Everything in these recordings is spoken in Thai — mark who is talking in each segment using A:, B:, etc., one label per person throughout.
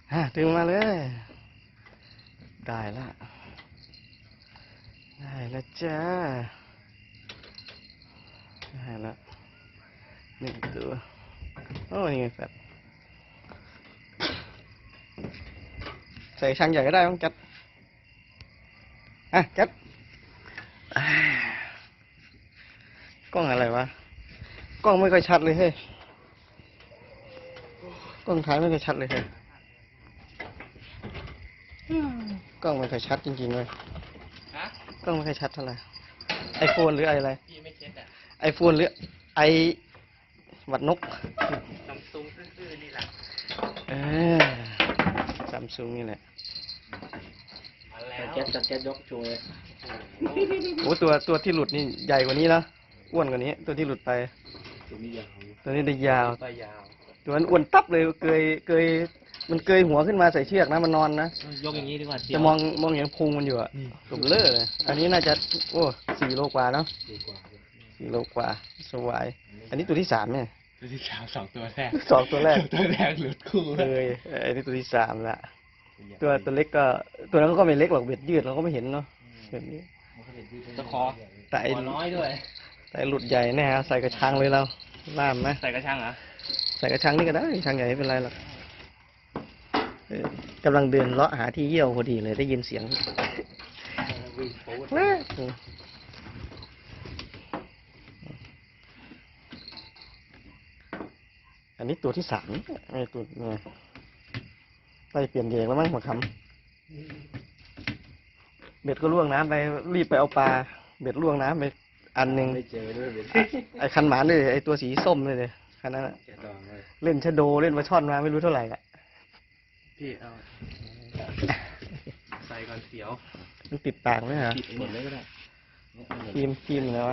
A: ดึงมาเลยได้ละจ้าได้ละ1 ตัวโอ้นี่ไงแฟบใส่ช่างใหญ่ก็ได้มั้งจัดจัดกล้องอะไรวะกล้องไม่ค่อยชัดเลยเฮ้ยกล้องถ่ายไม่ค่อยชัดเลยเฮ้ยกล้องไม่ค่อยชัดจริงๆเลยกล้องไม่ค่อยชัดเท่าไหร่ไอโฟนหรืออะไรไอโฟนหรือไอหวัดนกซัมซุงซื่อๆนี่แหละซัมซุงนี่แหละ
B: จัดแก๊สยกโชว์เลย
A: โอ้ตัวที่หลุดนี่ใหญ่กว่านี้นะอ้วนกว่านี้ตัวที่หลุดไป
B: ตัวนี้ยาว
A: ตัวนี้ได้ยาวตัวนั้นอ้วนตับเลยเกยมันเกยหัวขึ้นมาใส่เชือกนะมันนอนนะ
B: ยกอย่างนี้ดีกว่า
A: จะมองเห็นพุงมันอยู่อะตุ่มเล่อเลยอันนี้น่าจะ4 โลกว่าเนาะ4 โลกว่าสวายอันนี้ตัวที่3เนี่ย
B: ตัวที่3 2 ตัวแรก
A: ตัวแรก
B: หลุดคู่
A: เลยอันนี้ตัวที่3ละตัวเล็กก็ตัวนั้นก็ไม่เล็กหรอกเบ็ดยืดเราก็ไม่เห็นเนาะแบบนี้
B: ตะคอ
A: แต่
B: น้อยด้วย
A: แต่หลุดใหญ่แน่ฮะใส่กระชังเลยเราล่ามไหม
B: ใส่กระชังเหรอ
A: ใส่กระชังนี่ก็ได้กระชังใหญ่ไม่เป็นไรหรอกกำลังเดินเลาะหาที่เยี่ยวพอดีเลยได้ยินเสียงอันนี้ตัวที่3ไอ้ตัวเนี่ยไปเปลี่ยนเยงแล้วมั้งหัวคำเบ็ดก็ล่วงน้ำไปรีบไปเอาปลาเบ็ดล่วงน้ำไปอันหนึ่งไอ้คันหมานเลยไอ้ตัวสีส้มเลยคันนั้นเล่นชะโดเล่นปลาช่อนมาไม่รู้เท่าไหร่ละ
B: พี่เอาใส่ก่อนเสียว
A: มันติดปากไหมฮะ
B: ติดหมดเลยก็ได้
A: พิมแล้ว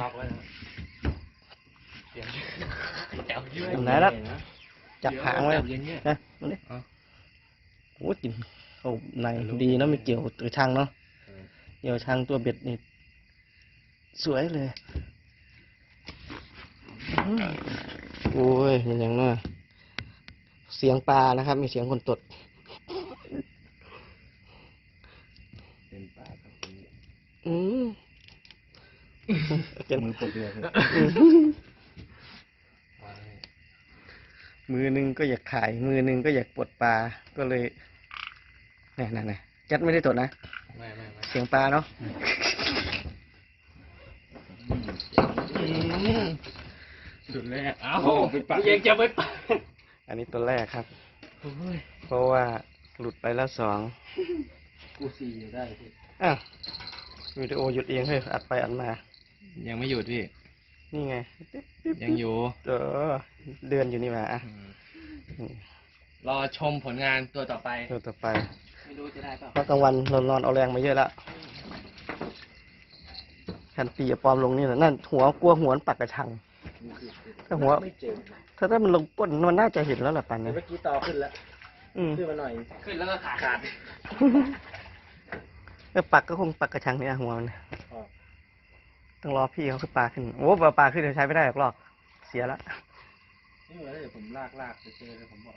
A: ไหนล่ะจับหางไว้นะนี่โอ้กินเขาในดีนะไม่เกี่ยวตัวช่างเนาะเกี่ยวช่างตัวเบ็ดนี่สวยเลยโอ้ยมันยังน่าเสียงปลานะครับมีเสียงคนตด
B: เป็นปลาครับ
A: เก็บ
B: มือปวดเลย
A: มือนึงก็อยากขายมือนึงก็อยากปลดปลาก็เลยนี่จัดไม่ได้ตดนะ
B: ไม่
A: เสียงปลาเนาะ
B: สุดแรกเป็นปลายังจะไม่ปลา
A: อันนี้ตัวแรกครับเพราะว่าหลุดไปแล้ว2
B: กู4อยู่ได้พี่
A: วิดีโอหยุดเองเฮ้ยอัดไปอัดมา
B: ยังไม่หยุดพี่
A: นี่ไง
B: ยังอยู่
A: เดือนอยู่นี่มาร
B: อชมผลงานตัวต่อไปไม่รู้จะได้เปล่า
A: เพราะกลางวันนอนเอาแรงมาเยอะแล้วคันตีปลอมลงนี่แหละนั่นหัวกลัวหัวปักกระชังถ้าหัวถ้ามันลงก้นมันน่าจะเห็นแล้วแหละปันเนี่ย
B: เมื่อกี้ต่อขึ้นแล้วขึ้นมาหน่อยขึ้นแล้วก็ขาด
A: ปักก็คงปักกระชังเนี่ยหัวมันต้องรอพี่เขาขึ้นปลาขึ้นโอ้ปลาขึ้นเดี๋ยวใช้ไม่ได้หรอกลอกเสียละ
B: นี่เหมือนเดี๋ยวผมลากจะเจอเลยผมบอก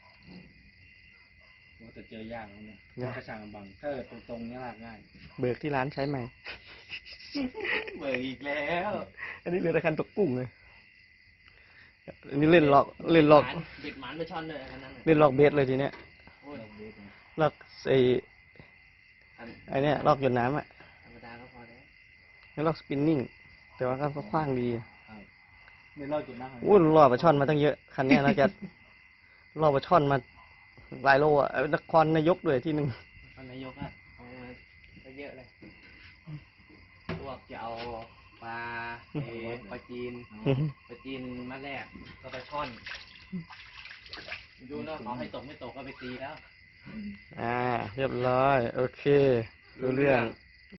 B: ว่าจะเจอยากแล้วเนี่ยกระชังบังถ้าตรงนี้ลากง่าย
A: เบิกที่ร้านใช้ไหม
B: เบิกอีกแล้ว
A: อันนี้เรือตะคันตกกุ้งเลยอันนี้เล่นหลอกเบ็ด
B: หมันไปช่อนเลยอันนั้น
A: เล่นหลอกเบสเลยทีเนี้ยหลอกไอ้เนี่ยลอกหยดน้ำ
B: ธรรมดาก็พอได้
A: ไม่ลอกสปินนิ่งแต่ว่าก็คว้างดี
B: ไม่ลอกหยดน้
A: ำล่อปลาช่อนมาตั้งเยอะคันนี้นะแกล่อปลาช่อนมาหลายโลนครนายกด้วยที่1
B: นนายกเอามาเยอะเลยพวกจะเอาปลาจีนมาแรกก็ปลาช่อนดูเนาะเขาให้ตกไม่ตกก็ไปตีแล้ว
A: เรียบร้อยโอเครู้เรื่อง